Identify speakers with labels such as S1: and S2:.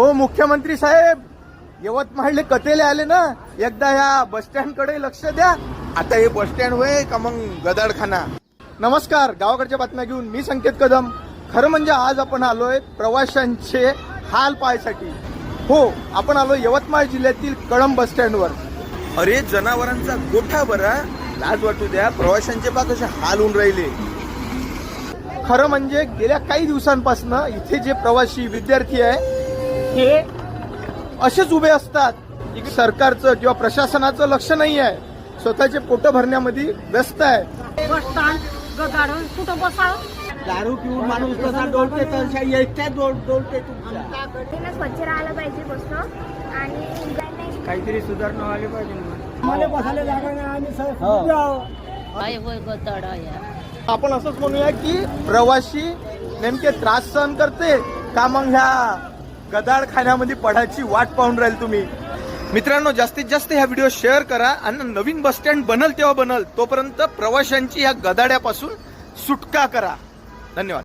S1: ओ मुख्यमंत्री साहेब, यवतमाळले कटेले आले ना, एकदा ह्या बस स्टँड कडे लक्ष द्या.
S2: आता हे बस स्टँड होय का मग गदाडखाना?
S1: नमस्कार, गावाकडच्या बातम्या घेऊन मी संकेत कदम. खरं म्हणजे आज आपण आलोय प्रवाशांचे हाल पाहायसाठी. हो, आपण आलो यवतमाळ जिल्ह्यातील कळंब बस स्टँडवर.
S2: अरे जनावरांचा गोठा बरा, लाज वाटू द्या. प्रवाशांचे पा कसे हाल होऊन राहिले.
S1: खरं म्हणजे गेल्या काही दिवसांपासून इथे जे प्रवासी विद्यार्थी आहे हे असेच उभे असतात. सरकारचं किंवा प्रशासनाचं लक्ष नाही आहे, स्वतःचे पोट भरण्यामध्ये व्यस्त आहे.
S3: बस स्टँड गदाडून कुठं बसावं?
S4: दारू पिऊन माणूस कसा डोलते तशा एकट्या डोलते तुमच्या.
S5: स्वच्छ राहायला पाहिजे बसणं आणि
S4: काहीतरी सुधारणा व्हायला पाहिजे. मला बसायला जागा नाही, आम्ही
S1: आपण असंच म्हणूया की प्रवासी नेमके त्रास सहन करते का मग ह्या गदाडखान्यामध्ये पडायची वाट पाहून राहील तुम्ही. मित्रांनो, जास्तीत जास्त ह्या व्हिडिओ शेअर करा आणि नवीन बस स्टँड बनल तेव्हा बनल, तोपर्यंत प्रवाशांची ह्या गदाड्यापासून सुटका करा. धन्यवाद.